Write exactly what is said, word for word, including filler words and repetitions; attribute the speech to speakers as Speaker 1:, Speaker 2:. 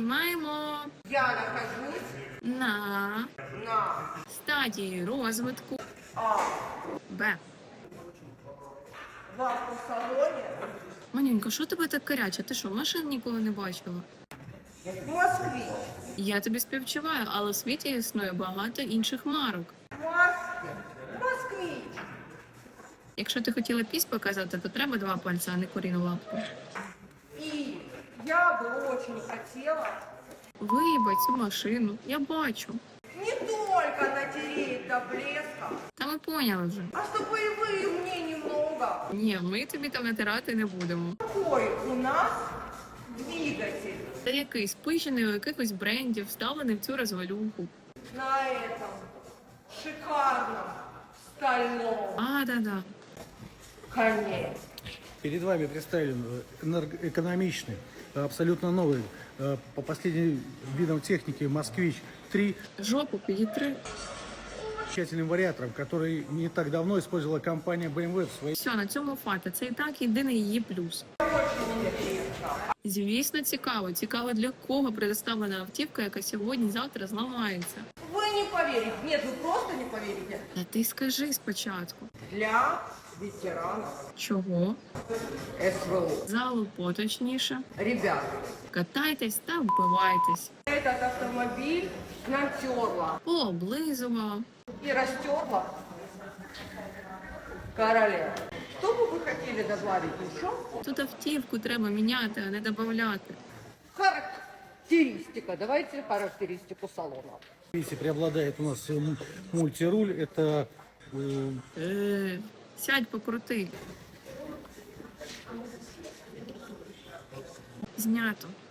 Speaker 1: Знімаємо
Speaker 2: Я нахожусь
Speaker 1: на
Speaker 2: на
Speaker 1: стадії розвитку
Speaker 2: А.
Speaker 1: Б.
Speaker 2: В автосалоне
Speaker 1: Манюнька, що тебе так каряче? Ти що, машин ніколи не бачила?
Speaker 2: Москвич.
Speaker 1: Я тобі співчуваю, але в світі існує багато інших марок.
Speaker 2: Москвич. Москвич.
Speaker 1: Якщо ти хотіла пісь показати, то треба два пальця, а не куріну лапку.
Speaker 2: И я бы очень хотела
Speaker 1: Виїбать цю машину, я бачу.
Speaker 2: не только натереть до блеска,
Speaker 1: Та ми поняли вже.
Speaker 2: а чтобы и вы мне немного.
Speaker 1: Ні, ми тобі там натирати не будемо.
Speaker 2: Какой у нас двигатель
Speaker 1: Це якийсь спущений у якихось брендів, вставлений в цю розвалюху.
Speaker 2: на этом шикарном стальном
Speaker 1: А, да-да.
Speaker 2: коне.
Speaker 3: Перед вами представлен энергоэкономичный, абсолютно новый, э, по последним видам техники «Москвич три»
Speaker 1: Жопу підітри.
Speaker 3: с тщательным вариатором, который не так давно использовала компания бэ эм вэ в своей...
Speaker 1: Все, на цьому фата. Це і так єдиний її плюс. Звісно, цікаво. Цікаво, для кого предоставлена автівка, яка сьогодні-завтра зламається.
Speaker 2: Вы не поверите, нет, вы просто не поверите.
Speaker 1: Та ти скажи спочатку.
Speaker 2: Для ветеранов
Speaker 1: Чого?
Speaker 2: СВО.
Speaker 1: Залу поточніше.
Speaker 2: Ребята,
Speaker 1: Катайтесь та вбивайтесь.
Speaker 2: этот автомобиль натерла
Speaker 1: Пооблизувала.
Speaker 2: и растерла королева. Что бы вы хотели добавить еще?
Speaker 1: Тут автівку треба міняти, а не додавати.
Speaker 2: Характеристика. Давайте характеристику салона.
Speaker 3: Если преобладает у нас э, м- мультируль, это э,
Speaker 1: Е, сядь покрути. Знято.